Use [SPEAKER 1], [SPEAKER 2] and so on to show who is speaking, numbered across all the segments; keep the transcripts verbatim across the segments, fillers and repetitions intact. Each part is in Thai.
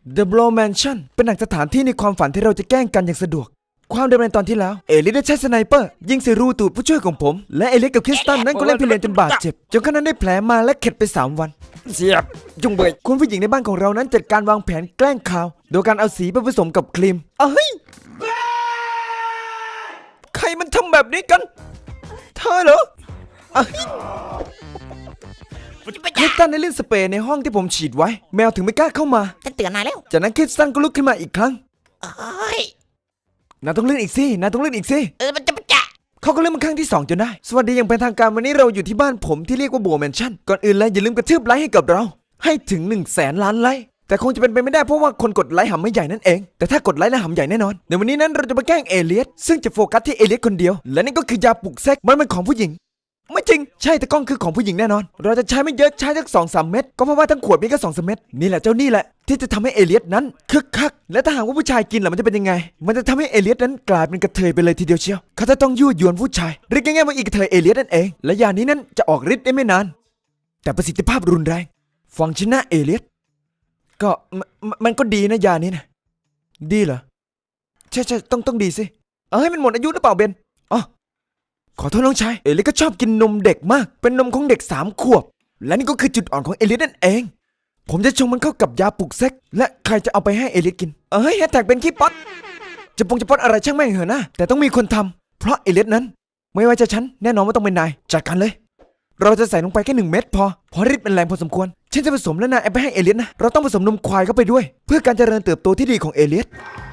[SPEAKER 1] The Blow Mansion เป็นหนังสถานที่ในความฝันที่เราจะแกล้งกันอย่างสะดวกความเดิมในตอนที่แล้วเอลิสได้ใช้สไนเปอร์ยิงใส่รูตูดผู้ช่วยของผมและเอลิสกับคริสตันนั้นก็เล่นพี่เลนจนบาดเจ็บจนเขานั้นได้แผลมาและเข็ดไปสามวัน
[SPEAKER 2] เสียบจุงเบย
[SPEAKER 1] คุณผู้หญิงในบ้านของเรานั้นจัดการวางแผนแกล้งข่าวโดยการเอาสีไปผสมกับครีมเอ้ยใครมันทำแบบนี้กันเธอเหรอคริสตันได้เล่นสเปรย์ในห้องที่ผมฉีดไว้แมวถึงไม่กล้าเข้ามา
[SPEAKER 3] ฉันเตือนนายแล้ว
[SPEAKER 1] จากนั้นคริสตันก็ลุกขึ้นมาอีกครั้ง
[SPEAKER 3] เอ้ย
[SPEAKER 1] นายต้องเลื่อนอีกสินายต้องเลื่อนอีกสิ
[SPEAKER 3] เออมันจะมันจะ
[SPEAKER 1] เขาก็เลื่อนมาครั้งที่สองจนได้สวัสดีอย่างเป็นทางการวันนี้เราอยู่ที่บ้านผมที่เรียกว่าโบว์แมนชั่นก่อนอื่นเลยอย่าลืมกระทืบไลค์ให้กับเราให้ถึงหนึ่งแสนล้านไลค์แต่คงจะเป็นไปไม่ได้เพราะว่าคนกดไลค์หำไม่ใหญ่นั่นเองแต่ถ้ากดไลค์แล้วหำใหญ่แน่นอนในวันนี้นั้นเราจะมาแกล้งเอเลียสซึ่งจะโฟกัสที่เอเลียสคนเดียวและนี่ก็คือยาปลุกเซ็กมันเป็นของผู้หญิงไม่จริงใช่แต่กล้องคือของผู้หญิงแน่นอนเราจะใช้ไม่เยอะใช้สักสองสามเม็ดก็เพราะว่าทั้งขวดมีแค่สองสามเม็ดนี่แหละเจ้านี่แหละที่จะทำให้เอเลียสนั้นคึกคักและถ้าหากว่าผู้ชายกินล่ะมันจะเป็นยังไงมันจะทำให้เอเลียสนั้นกลายเป็นกระเทยไปเลยทีเดียวเชียวเขาจะต้องยั่วยวนผู้ชายเรียกง่ายๆว่าอีกกระเทยเอเลียสนั่นเองและยานี้นั้นจะออกฤทธิ์ได้ไม่นานแต่ประสิทธิภาพรุนแรงฟังชนะเอเลียสก็มันก็ดีนะยานี้นะดีเหรอใช่ใช่ต้องต้องดีสิเอ้ยมันหมดอายุหรือเปล่าเบนอ๋อขอโทษน้องชายเอลิสก็ชอบกินนมเด็กมากเป็นนมของเด็กสามขวบและนี่ก็คือจุดอ่อนของเอลิสนั่นเองผมจะชงมันเข้ากับยาปลุกเซ็กและใครจะเอาไปให้เอลิสกินเอ้ยแฮชแท็กเป็นขี้ป๊อตจะปงจะป๊อตอะไรช่างแม่งเหอะนะแต่ต้องมีคนทำเพราะเอลิสนั้นไม่ว่าจะฉันแน่นอนว่าต้องเป็นนายจัดการเลยเราจะใส่ลงไปแค่หนึ่งเม็ดพอเพราะฤทธิ์เป็นแรงพอสมควรฉันจะผสมและนายเอาไปให้เอลิสนะเราต้องผสมนมควายเข้าไปด้วยเพื่อการเจริญเติบโตที่ดีของเอลิส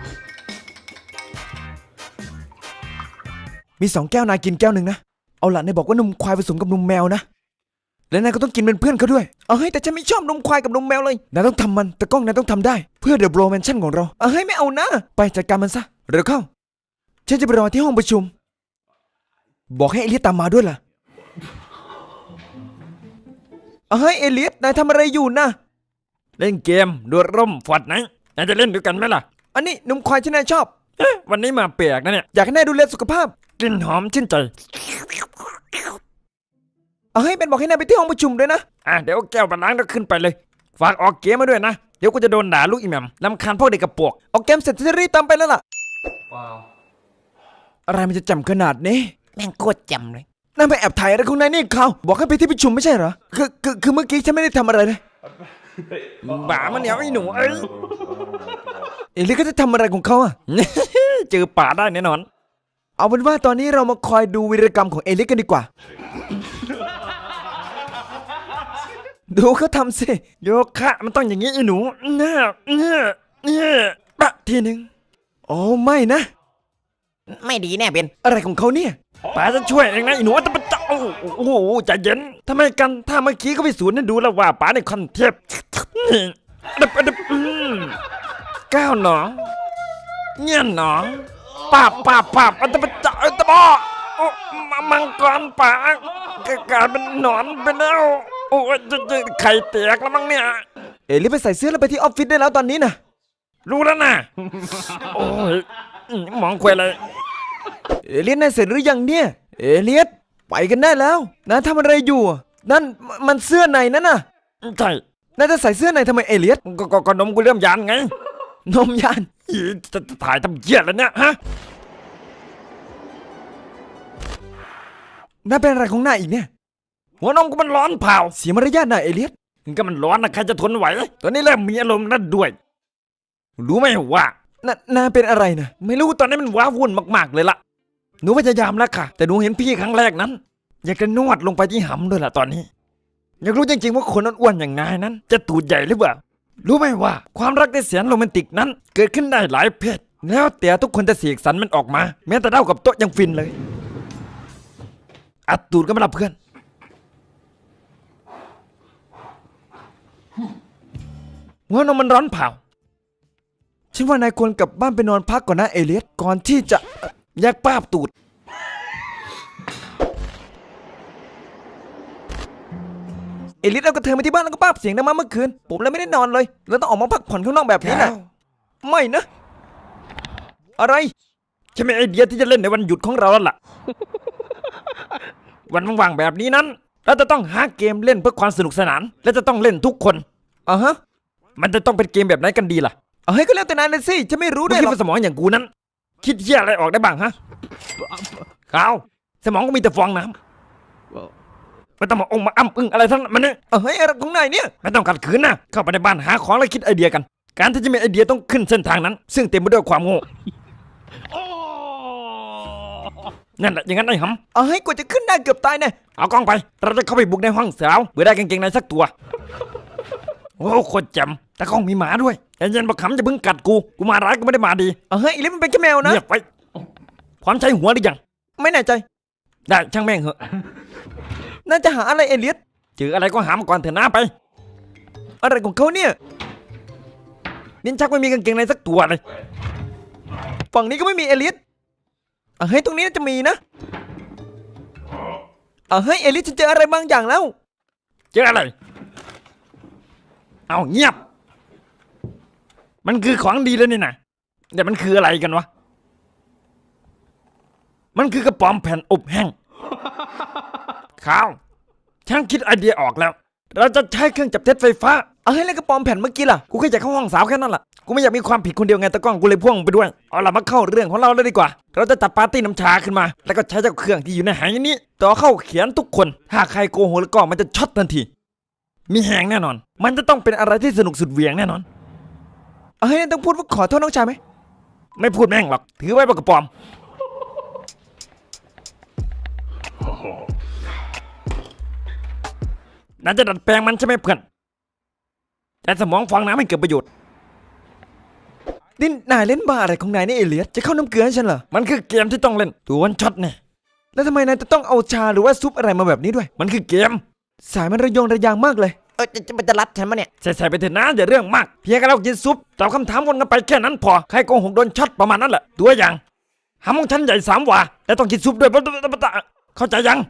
[SPEAKER 1] มีสองแก้วนายกินแก้วหนึ่งนะเอาล่ะนายบอกว่านมควายผสมกับนมแมวนะและนายก็ต้องกินเป็นเพื่อนเขาด้วยเอ้ยแต่ฉันไม่ชอบนมควายกับนมแมวเลยนายต้องทำมันแต่กล้องนายต้องทำได้เพื่อ The Blow Mansion ของเราเอ้ยไม่เอานะไปจัดการมันซะเร็วเข้าฉันจะไปรอที่ห้องประชุมบอกให้เอลิสตามมาด้วยล่ะเอ้ยเอลิสนายทำอะไรอยู่นะ
[SPEAKER 2] เล่นเกมโดดร่มฟอดไหนนายจะเล่นด้วยกันไหมล่ะ
[SPEAKER 1] อันนี้นมควายที่นายชอบ
[SPEAKER 2] เอ๊ะวันนี้มาแปลกนะเนี่ย
[SPEAKER 1] อยากให้นายดูแลสุขภาพ
[SPEAKER 2] กลิ่นหอมชื่นใจ
[SPEAKER 1] เอ้ยเป็นบอกให้นายไปที่ห้องประชุมด้วยนะ
[SPEAKER 2] อ่ะเดี๋ยวแก้วมาล้างแล้วขึ้นไปเลยฝากออกเกมมาด้วยนะเดี๋ยวกูจะโดนด่าลูกอีแหม่มรำคาญพวกเด็กกระปวก
[SPEAKER 1] ออกเกมเสร็จจะรีบตามไปแล้วล่ะว้าวอะไรมันจะจำขนาดนี้
[SPEAKER 3] แม่งโคตรจำเลย
[SPEAKER 1] นายไปแอบถ่ายอะไรของนายนี่เขาบอกให้ไปที่ประชุมไม่ใช่เหรอคือคือคือเมื่อกี้ฉันไม่ได้ทำอะไรเลย
[SPEAKER 2] บ้ามันเหนียวไอ้หนูเอ้ย
[SPEAKER 1] เอลิสก็จะทำอะไรของเขาอ่ะ
[SPEAKER 2] เจอป่าได้แน่นอน
[SPEAKER 1] เอาเป็นว่าตอนนี้เรามาคอยดูวีรกรรมของเอลิสกันดีกว่าดูเขาทำสิ
[SPEAKER 2] โยคะมันต้องอย่างนี้ไอ้หนูเน่เน่เน่
[SPEAKER 1] ปะทีหนึ่งโอ้ไม่นะ
[SPEAKER 3] ไม่ดีแน่เบน
[SPEAKER 1] อะไรของเขาเนี่ย
[SPEAKER 2] ป๋าจะช่วยเองนะไอ้หนูแต่มันจะโอ้โหใจเย็นทำไมกันถ้าเมื่อกี้เขาไปสวนนั่นดูแล้วว่าป๋าในคอนเทปดับดับก้าวหนอเงี้ยหนอป้าป้าป้าอันตรจะอันตรมังกรป๋ากลายเป็นหนอนไปแล้วโอ้ยจะไข่แตกแล้วมั้งเนี่ย
[SPEAKER 1] เอลิสไปใส่เสื้อแล้วไปที่ออฟฟิศได้แล้วตอนนี้นะ
[SPEAKER 2] รู้แล้วนะโอ้ยมองควยเลย
[SPEAKER 1] เอลิสนายเสร็จหรือยังเนี่ยเอลิสไปกันได้แล้วนะทำอะไรอยู่นั่นมันเสื้อในนั่นน่ะ
[SPEAKER 2] ใช่
[SPEAKER 1] นายจะใส่เสื้อในทำไมเอลิส
[SPEAKER 2] ก็ก็นมกูเริ่มยานไง
[SPEAKER 1] นมยาน
[SPEAKER 2] จะถ่ายทำเหี้ยแล้วเนี่ยฮะ
[SPEAKER 1] น่าเป็นอะไรของนายอีกเนี่ย
[SPEAKER 2] หัวนมกูมันร้อนเผา
[SPEAKER 1] เสียมารยาทนายเอลิส
[SPEAKER 2] ก็มันร้อนนะใครจะทนไหวตอนนี้เริ่มมีอารมณ์นั่นด้วยรู้ไหมว่า
[SPEAKER 1] น่าน่าเป็นอะไรนะ
[SPEAKER 2] ไม่รู้ตอนนี้มันว้าวุ่นมากๆเลยล่ะหนูพยายามแล้วค่ะแต่หนูเห็นพี่ครั้งแรกนั้นอยากจะนวดลงไปที่หำด้วยล่ะตอนนี้อยากรู้จริงๆว่าคนอ้วนๆอย่างนายนั้นจะตูดใหญ่หรือเปล่ารู้ไหมว่าความรักที่แสนโรแมนติกนั้นเกิดขึ้นได้หลายเพศแล้วแต่ทุกคนจะเสกสรรมันออกมาแม้แต่เท่ากับโต๊ะยังฟินเลยอัดตูดก็ไม่รับเพื่อนหัวนมมันร้อนเผา
[SPEAKER 1] ฉันว่านายควรกลับบ้านไปนอนพักก่อนนะเอลิสก่อนที่จะ
[SPEAKER 2] แยกป้าบตูด
[SPEAKER 1] เอลิสเอากระเทยมาที่บ้านแล้วก็ป้าบเสียงดังมาเมื่อคืนผมเลยไม่ได้นอนเลยแล้วต้องออกมาพักผ่อนข้างนอกแบบนี้นะไม่นะอะไร
[SPEAKER 2] ฉันมีไอเดียที่จะเล่นในวันหยุดของเราแล้วล่ะวันว่างๆแบบนี้นั้นเราจะต้องหาเกมเล่นเพื่อความสนุกสนานและจะต้องเล่นทุกคน
[SPEAKER 1] อ่ะฮะ
[SPEAKER 2] มันจะต้องเป็นเกมแบบไหนกันดีล่ะ
[SPEAKER 1] เอาให้ก็แล้วแต่นายนะสิฉันไม่รู้
[SPEAKER 2] มึ
[SPEAKER 1] ด้
[SPEAKER 2] ง
[SPEAKER 1] วย
[SPEAKER 2] คิด
[SPEAKER 1] หรอก
[SPEAKER 2] ว่าสมองอย่างกูนั้น คิดเหี้ยอะไรออกได้บ้างฮะขาวสมองก็มีแต่ฟองน้ำไม่ต้องมาองค์มาอ้ำอึ้งอะไรทั้งนั้นมันเนี่ย
[SPEAKER 1] เอาให้อะไรของนายเนี่ย
[SPEAKER 2] ไม่ต้องขัดขืนนะเข้าไปในบ้านหาของแล้วคิดไอเดียกัน การที่จะมีไอเดียต้องขึ้นเส้นทางนั้น ซึ่งเต็มไปด้วยความโง่นั่นแหละอย่างนั้นไอ้หำ
[SPEAKER 1] เอาให้กว่าจะขึ้นได้เกือบตายเนี่ย
[SPEAKER 2] เอากล้องไป เราจะเข้าไปบุกในห้องสาวเพื่อได้กางเกงในสักตัว โอ้โคตรแจ่มแต่กล้องมีหมาด้วยไอ้เย็นบักขำจะเพิ่งกัดกู กูมาร้ายก็ไม่ได้มาดี
[SPEAKER 1] เอาให้อีเล็กมันเป็นแค่แมวนะ
[SPEAKER 2] เงียบไปพร้อมใช้หัวหรือยัง
[SPEAKER 1] ไม่แน่ใจ
[SPEAKER 2] ได้ช่างแม่งเหอะ
[SPEAKER 1] น่าจะหาอะไรเอเลียส
[SPEAKER 2] เจออะไรก็หามาก่อนเถอะนะไป
[SPEAKER 1] อะไรของเขาเนี่ย
[SPEAKER 2] นินชักไม่มีกางเกงในสักตัวเลย
[SPEAKER 1] ฝั่งนี้ก็ไม่มีเอเลียสเอาให้ตรงนี้น่าจะมีนะเอาให้เอเลียสฉันเจออะไรบางอย่างแล้ว
[SPEAKER 2] เจออะไร เอาเงียบ มันคือของดีเลยนี่นะแต่มันคืออะไรกันวะ มันคือกระป๋อมแผ่นอบแห้งข้าวช่างคิดไอเดียออกแล้ว เราจะใช้เครื่องจับเท็จไฟฟ้า
[SPEAKER 1] เอาให้แล้วกระปอมแผ่นเมื่อกี้ล่ะ
[SPEAKER 2] กูแค่อยากเข้าห้องสาวแค่นั้นแหละ กูไม่อยากมีความผิดคนเดียวไงตะกล้องกูเลยพ่วงไปด้วย เอาล่ะมาเข้าเรื่องของเราเลยดีกว่า เราจะจัดปาร์ตี้น้ำชาขึ้นมา แล้วก็ใช้เจ้าเครื่องที่อยู่ในหายนี้ต่อเข้าเขียนทุกคน ถ้าใครโกหกแล้วก็มันจะช็อตทันที มีแหงแน่นอน มันจะต้องเป็นอะไรที่สนุกสุดเหวี่ยงแน่นอน
[SPEAKER 1] เอาให้ต้องพูดว่าขอโทษน้องชายไหม
[SPEAKER 2] ไม่พูดแม่งหรอก ถือไว้ปากกระป๋อม น่าจะดัดแปลงมันใช่ไหมเพื่อน แต่สมองฟังน้ำให้เกิดประโยชน์
[SPEAKER 1] นี่นายเล่นบ้าอะไรของนายเนี่ยเอเลียสจะเข้าน้ำเกลือให้ฉันเหรอ
[SPEAKER 2] มันคือเกมที่ต้องเล่นตัววันช็อตเนี่ย
[SPEAKER 1] แล้วทำไมนายจะต้องเอาชาหรือว่าซุปอะไรมาแบบนี้ด้วย
[SPEAKER 2] มันคือเกม
[SPEAKER 1] สายมันระยงระยางมากเลย
[SPEAKER 3] เออจะจะมันจะรัดฉันมาเนี่ย
[SPEAKER 2] ใส่ๆไปเถอะนะอย่าเรื่องมาก เพียงแค่เรากินซุปตอบคำถามวนกันไปแค่นั้นพอ ใครโกหกโดนช็อตประมาณนั้นแหละ ตัวอย่างหำของฉันใหญ่สามหว่าแต่ต้องกินซุปด้วยเข้าใจยัง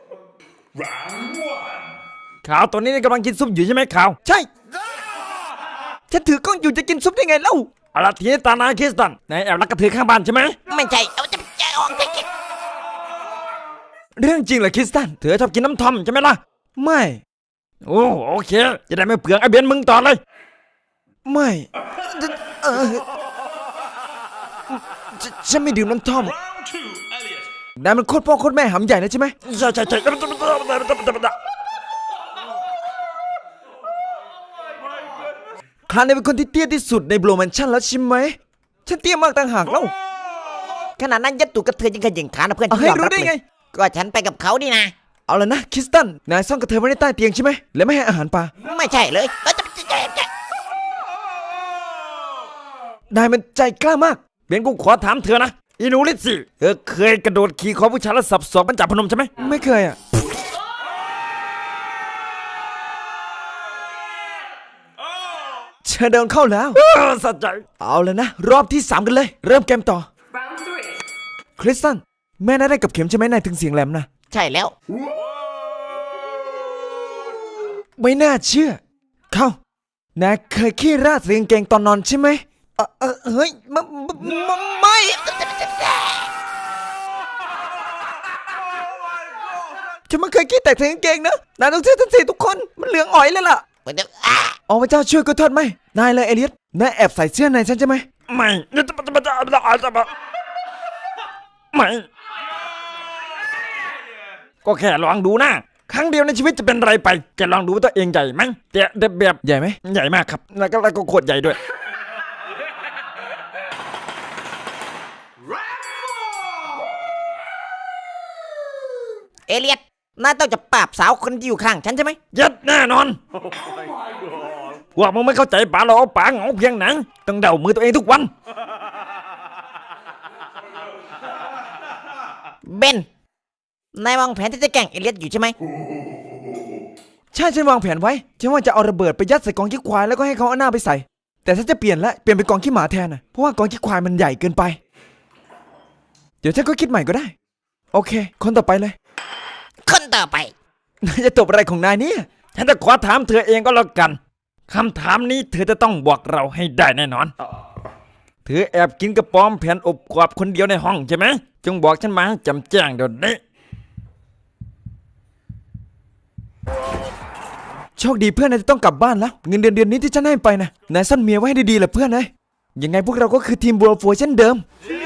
[SPEAKER 2] ข่าวตัวนี้นี่กำลังกินซุปอยู่ใช่ไหมข่าว
[SPEAKER 1] ใช่ ฉันถือกล้องอยู่จะกินซุปได้ไงเล่า
[SPEAKER 2] เอาละทีนี้ตานาคริสตันนายแอบรักกระเทือข้างบ้านใช่ไหม
[SPEAKER 3] ไม่ใช่เอาจะจะออกจะกิน
[SPEAKER 1] เรื่องจริงเหรอคริสตัน
[SPEAKER 2] เธอชอบกินน้ำทอมใช่ไหมล่ะ
[SPEAKER 1] ไม่
[SPEAKER 2] โอ้โอเค จะได้ไม่เปลืองไอเบนมึงต่อเลย
[SPEAKER 1] ไม่เออฉฉันไม่ดื่มน้ำท่อมนายมันโคตรพ่อโคตรแม่หำใหญ่นะใช่ไหม
[SPEAKER 2] ใช่ใช่ใช่
[SPEAKER 1] คลานนายเป็นคนที่เตี้ยที่สุดในโบรแมนชั่นแล้วใช่ไหม ฉันเตี้ยมากต่างหากเล่า
[SPEAKER 3] ขนาดนั้นยัดตูกระเทือนยังขยิงขานะเพื่อน
[SPEAKER 1] เอา
[SPEAKER 3] ฉัน
[SPEAKER 1] ให้
[SPEAKER 3] ยอม
[SPEAKER 1] รู้
[SPEAKER 3] รับ
[SPEAKER 1] ได้
[SPEAKER 3] เล
[SPEAKER 1] ไง
[SPEAKER 3] ยก็ฉันไปกับเขานี่นะ
[SPEAKER 1] เอาละนะคริสตัน นายซ่อนกระเทยไว้ในใต้เตียงใช่ไหม และไม่ให้อาหารปลา
[SPEAKER 3] ไม่ใช่เลยเออจะจะจะจะ
[SPEAKER 1] นายมันใจกล้ามาก
[SPEAKER 2] เบนกูขอถามเธอนะอีนูลิซี่เธอเคยกระโดดขี่คอผู้ชายแล้วสับสอกบรรจับพนมใช่ไหม
[SPEAKER 1] ไม่เคยอ่ะ เธอเดินเข้าแล้ว
[SPEAKER 2] เออสะใจ
[SPEAKER 1] เอาเลยนะ รอบที่สามกันเลย เริ่มเกมต่อ คริสตัน แม่นายได้กับเข็มใช่ไหมนายถึงเสียงแหลมนะ
[SPEAKER 3] ใช่แล้ว
[SPEAKER 1] ไม่น่าเชื่อ เข้านายเคยขี้ราดใส่กางเกงตอนนอนใช่ไหมเออเออเฮ้ยมมมไม่ ฉันไม่เคยขี้แตกใส่กางเกงนะ นายต้องเชื่อฉันสิทุกคน มันเหลืองอ๋อยเลยล่ะ
[SPEAKER 3] มันจะอ่ะ
[SPEAKER 1] อ๋อพระเจ้าช่วยก็โทษไหมนายเลยเอเลียสนายแอบใส่เสื้อในฉันใช่ไหม
[SPEAKER 2] ไม่เนี่ยจะจะจะจะจะจะไม่ก็แค่ลองดูนะครั้งเดียวในชีวิตจะเป็นไรไปแกลองดูว่าตัวเองใหญ่ไหมแต่เด็บแบบ
[SPEAKER 1] ใหญ่ไหม
[SPEAKER 2] ใหญ่มากครับแล้วก็แล้วก็โคตรใหญ่ด้วย
[SPEAKER 3] เอเลียดนายต้องจะปราบสาวคนที่อยู่ข้างฉันใช่ไหม
[SPEAKER 2] ยัดแน่นอนพวกมึงไม่เข้าใจป๋าเราเอาป๋าเหงาเพียงไหนต้องเดามือตัวเองทุกวัน
[SPEAKER 3] เบนนายวางแผนที่จะแกล้งเอเลียดอยู่ใช่ไหม
[SPEAKER 1] ใช่ฉันวางแผนไว้ฉันว่าจะเอาระเบิดไปยัดใส่กองขี้ควายแล้วก็ให้เขาเอาหน้าไปใส่ แต่ฉันจะเปลี่ยนละเปลี่ยนเป็นกองขี้หมาแทนนะเพราะว่ากองขี้ควายมันใหญ่เกินไป เดี๋ยวฉันก็คิดใหม่ก็ได้ โอเค คนต่อไปเลย
[SPEAKER 3] คนต่อไป
[SPEAKER 1] นายจะตบอะไรของนายเนี่ย
[SPEAKER 2] ฉันจะขอถามเธอเองก็แล้วกันคำถามนี้เธอจะต้องบอกเราให้ได้แน่นอนเธอแอบกินกระป๋อมแผ่นอบกรอบคนเดียวในห้องใช่ไหมจงบอกฉันมาให้จำแจ้งเดี๋ยวนี้
[SPEAKER 1] โชคดีเพื่อนนายจะต้องกลับบ้านแล้ว เงินเดือนเดือนนี้ที่ฉันให้ไปนะนายซ่อนเมียไว้ให้ดีๆแหละเพื่อนนายยังไงพวกเราก็คือทีมบัวฟัวเช่นเดิม